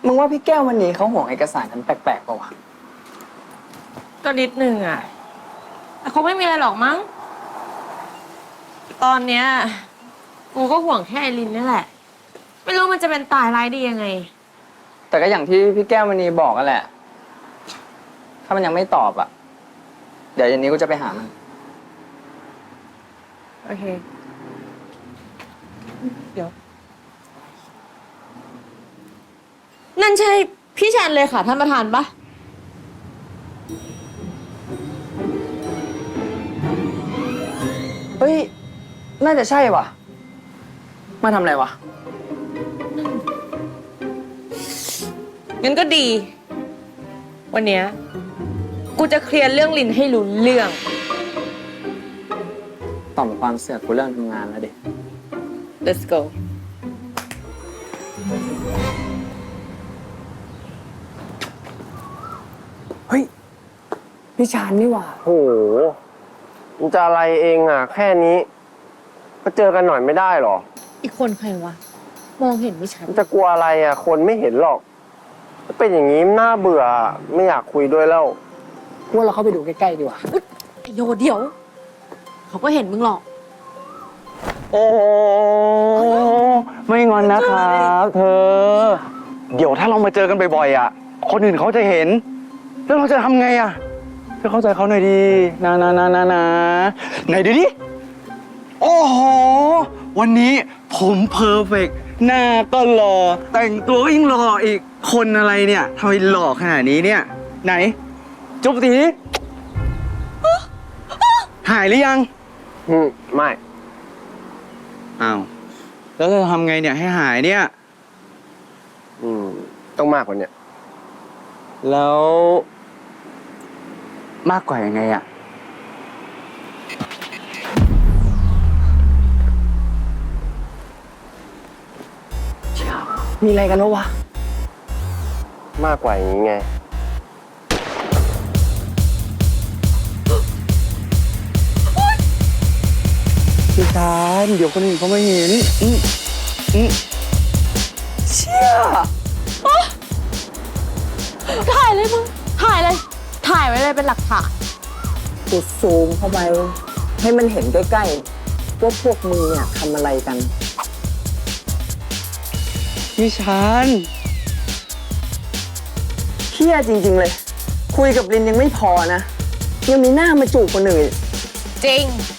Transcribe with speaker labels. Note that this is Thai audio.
Speaker 1: มึงว่าพี่แก้ววันนี้เขาห่วงเอกสารกันแปลกๆป่าวะ
Speaker 2: ก็นิดนึงอ่ะแต่คงไม่มีอะไรหรอกมั้ง ตอนเนี้ยกูก็ห่วงแค่ไอรินนี่แหละ ไม่รู้มันจะเป็นตายร้ายดียังไง
Speaker 1: แต่ก็อย่างที่พี่แก้ววันนี้บอกกันแหละ ถ้ามันยังไม่ตอบอ่ะ เดี๋ยวเย็นนี้กูจะไปหามัน
Speaker 2: โอเค เดี๋ยว นั่นใช่พี่แชนเลยค่ะท่านประธานปะ
Speaker 1: เฮ้ย น่าจะใช่ว่ะ มาทำอะไรวะ
Speaker 2: งั้นก็ดี วันเนี้ยกูจะเคลียร์เรื่องลินให้รู้เรื่อง
Speaker 1: ต่อมความเสือกกูเริ่มทำงานแล้วดิ
Speaker 2: let's go
Speaker 1: เฮ้ย พี่ชานนี่หว่า
Speaker 3: โอ้โหมันจะอะไรเองอ่ะ แค่นี้ก็เจอกันหน่อยไม่ได้หรอ
Speaker 2: อีกคนใครวะ มองเห็นไม่ชัด
Speaker 3: มันจะกลัวอะไรอ่ะ คนไม่เห็นหรอกถ้าเป็นอย่างนี้น่าเบื่อไม่อยากคุยด้วยแล้ว
Speaker 1: พวกเราเข้าไปดูใกล้ๆดีกว่า
Speaker 2: ไอโยเดี๋ยว เขาก็เห็นมึงหรอก
Speaker 3: โอ้ไม่งอนนะครับเธอ เดี๋ยวถ้าเรามาเจอกันบ่อยๆอ่ะ คนอื่นเขาจะเห็น แล้วเราจะทำไงอ่ะเธอเข้าใจเขาหน่อยดีนะไหนดูดิโอ้โหวันนี้ผมเพอร์เฟกต์หน้าก็หล่อแต่งตัวก็ยิ่งหล่ออีกคนอะไรเนี่ยทำไมหล่อขนาดนี้เนี่ย ไหน จุ๊บทีหายหรือยังไม่ อ้าว แล้วจะทำไงเนี่ยให้หายเนี่ย ต้องมากกว่านี้แล้ว มากกว่ายังไงอะ
Speaker 1: มีอะไรกันวะ
Speaker 3: มากกว่าอย่างนี้ไง
Speaker 1: พี่ชานเดี๋ยวคนอื่นเขาไม่เห็นเชี่ย
Speaker 2: ถ่ายเลยมึง ถ่ายเลย ถ่ายไว้เลยเป็นหลักฐาน
Speaker 1: กูซูมเข้าไปให้มันเห็นใกล้ๆว่าพวกมึงเนี่ยทำอะไรกัน
Speaker 3: พี่ชาน
Speaker 1: เชี่ยจริงๆเลย คุยกับลินยังไม่พอนะ ยังมีหน้ามาจูบคนอื่น
Speaker 2: จริง